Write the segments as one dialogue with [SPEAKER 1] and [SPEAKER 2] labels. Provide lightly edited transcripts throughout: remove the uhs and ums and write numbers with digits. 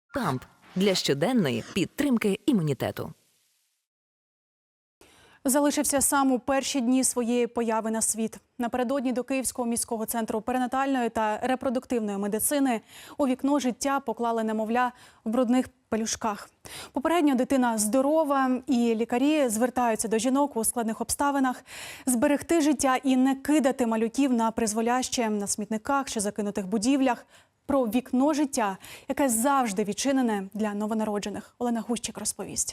[SPEAKER 1] Камп для щоденної підтримки імунітету.
[SPEAKER 2] Залишився сам у перші дні своєї появи на світ. Напередодні до Київського міського центру перинатальної та репродуктивної медицини у вікно життя поклали немовля в брудних пелюшках. Попередньо дитина здорова, і лікарі звертаються до жінок у складних обставинах зберегти життя і не кидати малюків на призволяще на смітниках чи закинутих будівлях. Про вікно життя, яке завжди відчинене для новонароджених. Олена Гущик розповість.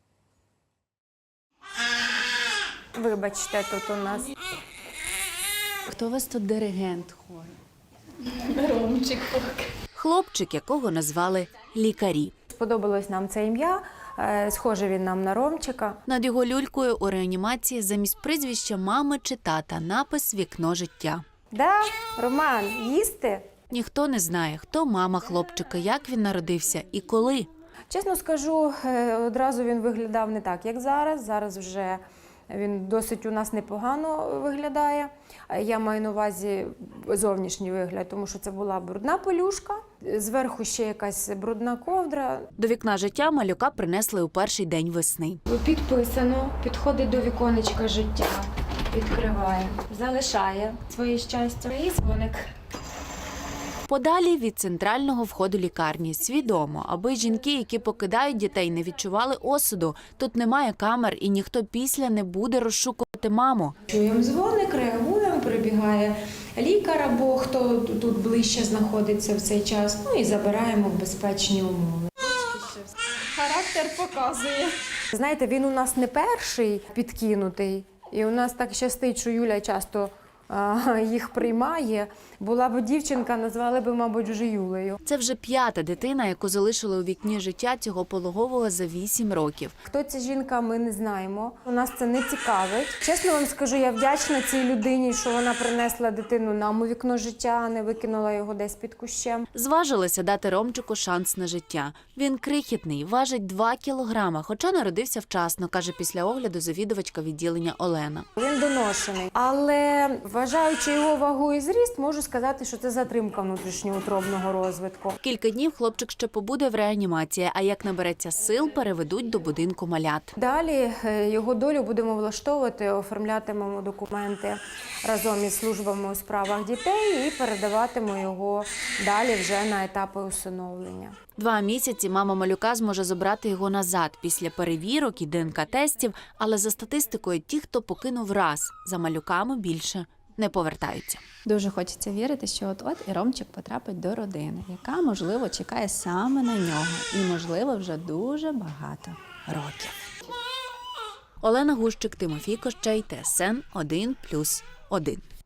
[SPEAKER 3] Вибачте, тут у нас.
[SPEAKER 4] Хто у вас тут диригент хору?
[SPEAKER 3] Ромчик.
[SPEAKER 4] Хлопчик, якого назвали лікарі.
[SPEAKER 3] Сподобалось нам це ім'я, схоже він нам на Ромчика.
[SPEAKER 4] Над його люлькою у реанімації замість прізвища мами чи тата напис «Вікно життя».
[SPEAKER 3] Да, Роман, їсти?
[SPEAKER 4] Ніхто не знає, хто мама хлопчика, як він народився і коли.
[SPEAKER 3] Чесно скажу, одразу він виглядав не так, як зараз. Зараз вже він досить у нас непогано виглядає. Я маю на увазі зовнішній вигляд, тому що це була брудна пелюшка, зверху ще якась брудна ковдра.
[SPEAKER 4] До вікна життя малюка принесли у перший день весни.
[SPEAKER 3] Підписано, підходить до віконечка життя, відкриває, залишає своє щастя. І дзвоник.
[SPEAKER 4] Подалі від центрального входу лікарні. Свідомо, аби жінки, які покидають дітей, не відчували осуду. Тут немає камер і ніхто після не буде розшукувати маму.
[SPEAKER 3] Чуємо дзвоник, реагуємо, прибігає лікар або хто тут ближче знаходиться в цей час. Ну і забираємо в безпечні умови. Характер показує. Знаєте, він у нас не перший підкинутий. І у нас так щастить, що Юля часто їх приймає. Була б дівчинка, назвали б, мабуть, вже Юлею.
[SPEAKER 4] Це вже п'ята дитина, яку залишили у вікні життя цього пологового за 8 років.
[SPEAKER 3] Хто ця жінка, ми не знаємо. У нас це не цікавить. Чесно вам скажу, я вдячна цій людині, що вона принесла дитину нам у вікно життя, а не викинула його десь під кущем.
[SPEAKER 4] Зважилися дати Ромчику шанс на життя. Він крихітний, важить 2 кілограма, хоча народився вчасно, каже після огляду завідувачка відділення Олена.
[SPEAKER 3] Він доношений. Але, вважаючи його вагу і зріст, можу сказати, що це затримка внутрішньоутробного розвитку.
[SPEAKER 4] Кілька днів хлопчик ще побуде в реанімації, а як набереться сил, переведуть до будинку малят.
[SPEAKER 3] Далі його долю будемо влаштовувати, оформлятимемо документи разом із службами у справах дітей і передаватимемо його далі вже на етапи усиновлення.
[SPEAKER 4] 2 місяці мама малюка зможе забрати його назад після перевірок і ДНК-тестів, але за статистикою ті, хто покинув раз, за малюками більше не повертаються.
[SPEAKER 5] Дуже хочеться вірити, що от-от і Ромчик потрапить до родини, яка, можливо, чекає саме на нього. І, можливо, вже дуже багато років.
[SPEAKER 4] Олена Гущик, Тимофій Кощей, ТСН 1+1.